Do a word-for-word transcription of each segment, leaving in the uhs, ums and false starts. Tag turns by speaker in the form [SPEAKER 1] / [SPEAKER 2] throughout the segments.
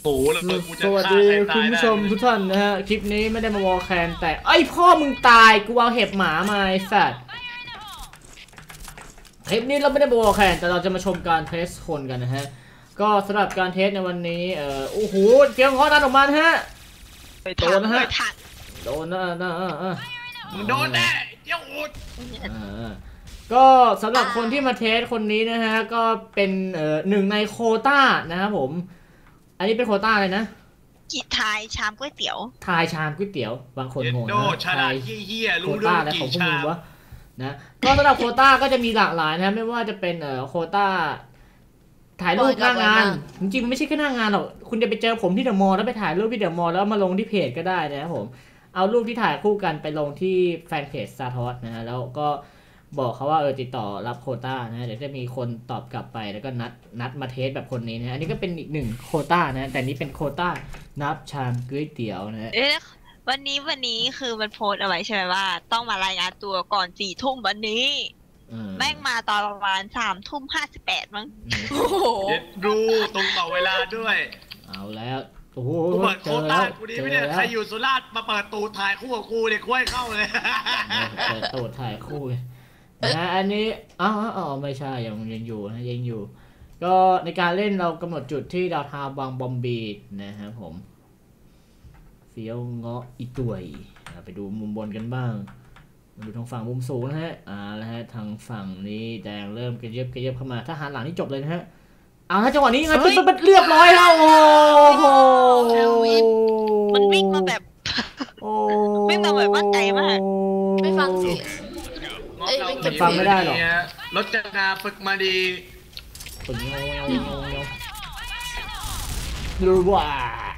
[SPEAKER 1] โอ้แล้วกูจะ
[SPEAKER 2] สวัส
[SPEAKER 1] ฆ่า
[SPEAKER 2] ดี
[SPEAKER 1] ใครตา
[SPEAKER 2] คุณ
[SPEAKER 1] ย
[SPEAKER 2] ผู้
[SPEAKER 1] ได้
[SPEAKER 2] ชมทุกท่านนะฮะคลิปนี้ไม่ได้มาวอลแคนแต่ไอ้พ่อมึงตายกูเอาเห็บหมามาไอ้สัตว์คลิปนี้เราไม่ได้มาวอลแคนแต่เราจะมาชมการเทสคนกันนะฮะก็สำหรับการเทสในวันนี้เอ่อโอ้โหเกียงคอดันออกมาฮะโดนนะฮะโดนนะนะ
[SPEAKER 1] มึงโดนแน่เจ้าอุด
[SPEAKER 2] ก็สำหรับคนที่มาเทสคนนี้นะฮะก็เป็นเอ่อหนึ่งในโควต้านะครับผมอันนี้เป็นโควต้าเลยนะ
[SPEAKER 3] กีทายชามก๋วยเตี๋ยว
[SPEAKER 2] ทายชามก๋วยเตี๋ยวบางคนงงนะ
[SPEAKER 1] ทายเฮี้ยๆรู้
[SPEAKER 2] โควต้าอะไรของพวกมึงวะนะก็สำหรับโควต้าก็จะมีหลากหลายนะไม่ว่าจะเป็นเอ่อโควต้าถ่ายรูปหน้างานจริงๆมันไม่ใช่แค่หน้างานหรอกคุณจะไปเจอผมที่เดอะมอลล์แล้วไปถ่ายรูปที่เดอะมอลล์แล้วมาลงที่เพจก็ได้นะครับผมเอารูปที่ถ่ายคู่กันไปลงที่แฟนเพจซาทอสนะฮะแล้วก็บอกเขาว่าเออติดต่อรับโควต้านะเดี๋ยวจะมีคนตอบกลับไปแล้วก็นัดนัดมาเทสแบบคนนี้นะอันนี้ก็เป็นอีกหนึ่งโควต้านะแต่นี้เป็นโควต้านับชามก๋วยเตี๋ยวนะ
[SPEAKER 3] เอ๊ะวันนี้วันนี้คือมันโพสเอาไว้ใช่ไหมว่าต้องมารายงานตัวก่อนสี่ทุ่มวันนี้แม่งมาตอนประมาณสามทุ่มห้าสิบแปดมั้ง
[SPEAKER 1] โอ้โหรู้ตรงต่อเวลาด้วย
[SPEAKER 2] เอาแล้วโอ้โห
[SPEAKER 1] กูเปิดโควต้ากูดีไม่ได้ใครอยู่สุราษฎร์มาเปิดตูดถ่ายคู่กับกูเด็กคุ้ยเข้าเลย
[SPEAKER 2] เปิดตูดถ่ายคู่นะอันนี้อ๋ออ๋อไม่ใช่ยังยังอยู่นะยังอยู่ก็ในการเล่นเรากำหนดจุดที่ดาวทาวบางบอมบีนะครับผมเฟี้ยวเงาะอีตุยไปดูมุมบนกันบ้างมาดูทางฝั่งมุมสูงนะฮะอ่าแล้วฮะทางฝั่งนี้แดงเริ่มกระเยิบกระเยิบเข้ามาถ้าหันหลังนี่จบเลยนะฮะเอาถ้าจังหวะนี้ไงเป็นเป็นเรียบร้อยแล้วโอ้โห
[SPEAKER 3] มันวิ่งมาแบบวิ่งมาแบบมั่นใจมาก
[SPEAKER 4] ไม่ฟังเสียง
[SPEAKER 2] เอ้ยไม่ฟังไม่ได้หรอก
[SPEAKER 1] รถจักรยานฝึกมาดี
[SPEAKER 2] ฝึกงงงงดูว่า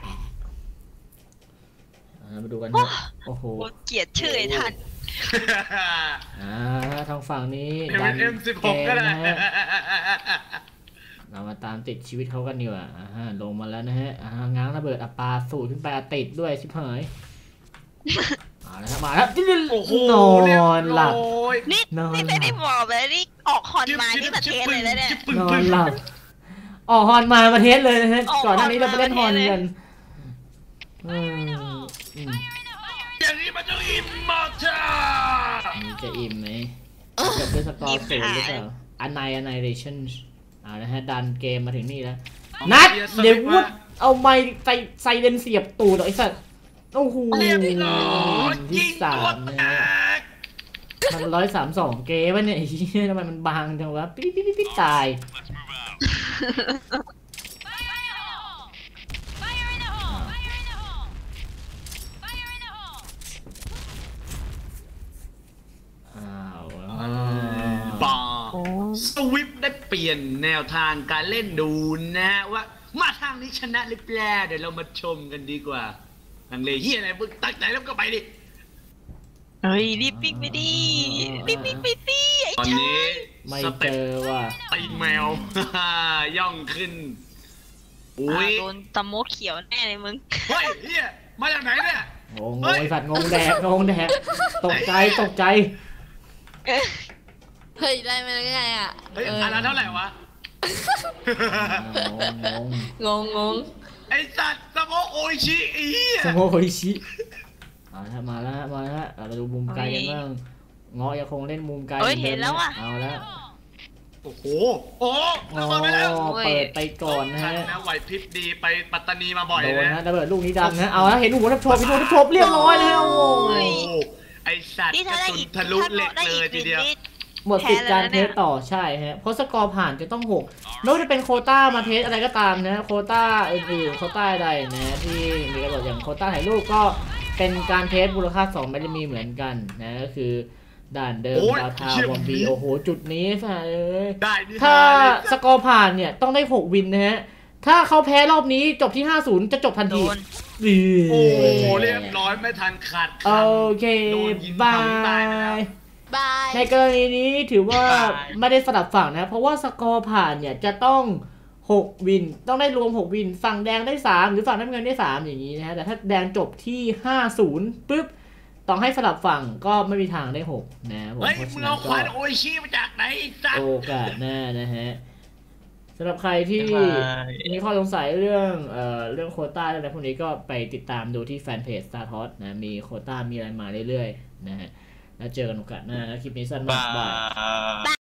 [SPEAKER 2] มาดูกันนะโอ้โห
[SPEAKER 3] เกลียดชื่อไอ้ท่าน
[SPEAKER 2] อ่าทางฝั่งนี้
[SPEAKER 1] ดันเอ็มสิบหกก็ได้
[SPEAKER 2] เรามาตามติดชีวิตเขากันดีกว่าอ่าลงมาแล้วนะฮะอ่าง้างระเบิดอัปปาสูดขึ้นไปติดด้วยชิบหายมาแล้วมาแล้วนอนหลับ
[SPEAKER 3] นี่นี่ไม่ได้บอกเลยนี่ออกฮอนมาที่ประเทศเลยนะเนี่ย
[SPEAKER 2] นอนหลับออกฮอนมาประเทศเลยนะฮะก่อนหน้านี้เราไปเล่นฮอนกัน
[SPEAKER 1] อย่างนี้มันจะอิ่มมากจ้า
[SPEAKER 2] นี่จะอิ่มไหมเกิดด้วยสกอร์สูงหรือเปล่าอันไนอันไนเรชั่นอ่านะฮะดันเกมมาถึงนี่แล้วนัดเดี๋ยววุฒเอาไม้ใส่ใส่เลนเสียบตูดไอ้สัตว์โอ้โหที่สามนะมันร้อยสามสองเกมวะเนี่ยทำไมมันบางจังวะปิ๊ดปิ๊ดปิ๊ดตาย
[SPEAKER 1] บ้าสวิฟได้เปลี่ยนแนวทางการเล่นดูนะว่ามาทางนี้ชนะหรือเปล่าเดี๋ยวเรามาชมกันดีกว่าลังเลเฮียอะไรมึงตั้งใจแล้วก็ไปดิ
[SPEAKER 3] เฮ้ยรีบปิ๊กไปดิรีบปิ๊กไปดิไอ้ชาย
[SPEAKER 2] ไม่เจอว่ะ
[SPEAKER 1] ไอ้แมวย่องขึ้น
[SPEAKER 3] อุ้ยโดนตะโมเขียวแน่เลยมึง
[SPEAKER 1] เฮ้ยเฮียมาจากไหนเนี่ย
[SPEAKER 2] งงไอ้สัตว์งงแดกงงแดกตกใจตกใจ
[SPEAKER 4] เฮ้ยได้มาได้ไงอ่ะ
[SPEAKER 1] เฮ้ยอันนั้นเท่าไหร่วะ
[SPEAKER 4] งงงง
[SPEAKER 1] ไอ้สัตว์สโมโอชิอี
[SPEAKER 2] สโมโอชิเอาละมาแล้วมาแล้วเราดูมุมไกลกันบ้างเงาะยังคงเล่นมุมไกล
[SPEAKER 3] เห็นแล้วอ่ะ
[SPEAKER 2] เอาแล้ว
[SPEAKER 1] โอ้โหโอ้
[SPEAKER 2] เปิดไปก่อนนะฮะ
[SPEAKER 1] ไหวพริบดีไปปัตตานีมาบ่อย
[SPEAKER 2] เลยนะระเบิดลูกนี้ดังนะเอาแล้วเห็นหัวทับชมเห็นหัวทับชมเรียบร้อยแล้ว
[SPEAKER 1] ไอสัตว์กระสุนทะลุเหล็กเลยทีเดียว
[SPEAKER 2] หมดสิทธิ์การเทสต่อใช่ฮะเพราะสกอร์ผ่านจะต้องหกไม่ว่าจะเป็นโคต้ามาเทสอะไรก็ตามนะโคต้าอื่นๆโคต้าใดนะที่มีกระโดดอย่างโคต้าถ่ายรูปก็เป็นการเทสมูลค่าสองไม่ได้มีเหมือนกันนะก็คือด่านเดิมดาวทาวบอมบีโอ้โหจุดนี้ซะเลยถ้าสกอร์ผ่านเนี่ยต้องได้หกวินนะฮะถ้าเขาแพ้รอบนี้จบที่ห้าศูนย์จะจบทันที
[SPEAKER 1] โอ้เรียบร้อยไม่ทันขาด
[SPEAKER 2] โอเคบายในกรณีนี้ถือว่าไม่ได้สลับฝั่งนะเพราะว่าสกอร์ผ่านเนี่ยจะต้องหกวินต้องได้รวมหกวินฝั่งแดงได้สามหรือฝั่งน้ำเงินได้สามอย่างนี้นะฮะแต่ถ้าแดงจบที่ห้าศูนย์ปุ๊บต้องให้สลับฝั่งก็ไม่มีทางได้หกนะผม
[SPEAKER 1] เฮ้ยมึงเอาควันโอชิมาจากไหนจ้ะ
[SPEAKER 2] โอกาสหน้านะฮะสำหรับใครที่มีข้อสงสัยเรื่องเอ่อเรื่องโควต้าอะไรพวกนี้ก็ไปติดตามดูที่แฟนเพจ Star Toss นะมีโควต้ามีอะไรมาเรื่อยๆนะฮะแล้วเจอกันโอกาสหน้านะคลิปนี้สั้นมากบาย